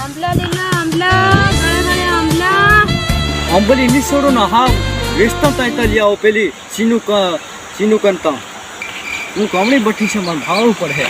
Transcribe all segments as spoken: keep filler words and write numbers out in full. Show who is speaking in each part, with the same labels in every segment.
Speaker 1: आंबला लेला आंबला गळे गळे आंबला
Speaker 2: अंबली नि छोड़ो ना हाँ वेस्ता ताइता लिया ओ पेली सीनू का सीनू कंता तू कमनी बठी से मन भाव पर है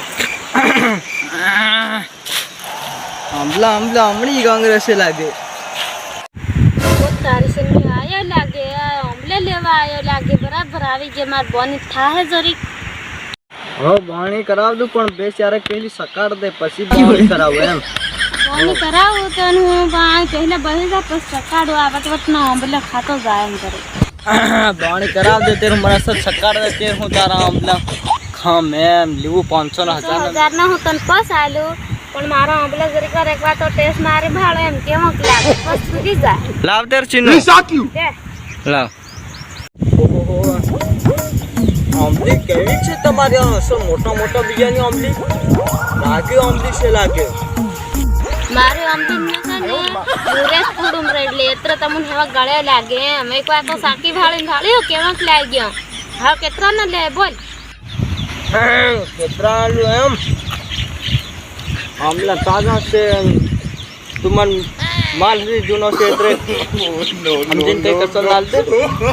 Speaker 3: आंबला आंबला आमड़ी कांग्रेस से लागे
Speaker 1: वो तारी से में आया लागे आंबले लेवा आया लागे बराबर आवी के मार बनी था है जरी
Speaker 3: हो बाणी कराव दू पण बेचारे पहली सकार दे पसी बाणी कराव एम
Speaker 1: बनी कराओ तन हूं बाय पहले बहे जा पस सकाडो आवत वत ना आंबले खातो जाए हम करे
Speaker 3: बाणी कराव दे तेरे मरा से सकार दे तेरे हूं तारा आंबला खा मैम लिवो पाँच सौ हजार
Speaker 1: हजार ना हो तन पस आलू पण मारा आंबला जरी कर एक बार तो टेस्ट मारे भाड़ो एम केमो लागे पस सुधी जा
Speaker 3: लाव तेरे चिन्ह
Speaker 1: दे
Speaker 3: लाव ओहो आंबली केवी छे તમારે સો મોટા મોટા બીજાની આંબલી લાગે આંબલી છે લાગે
Speaker 1: मारे आंबली में से ने पूरे कुडुम रेडले एत्र तमुन हेवा गळे लागे मैं को तो साकी भाळी भाळी केमक लाग्यो हा केत्रा न ले बोल
Speaker 3: केत्रा लो एम आंबला ताजा से तुमन माल रे जुनो से एत्रे हम दिन ते कसर लाल दे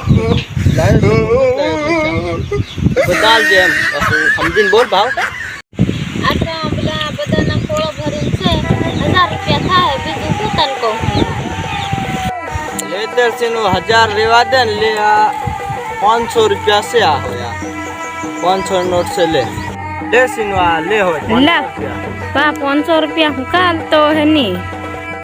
Speaker 3: बदल दे हम दिन बोल भाव
Speaker 1: आता आंबला बदना कोळो भरून से हजार रुपया था है बीजू को तन को
Speaker 3: ले तेर से नो हजार रेवा दे ले पाँच सौ रुपया से आ होया पाँच सौ नोट से ले ले सिनवा ले हो
Speaker 1: ला पा पाँच सौ रुपया हुकाल तो है नी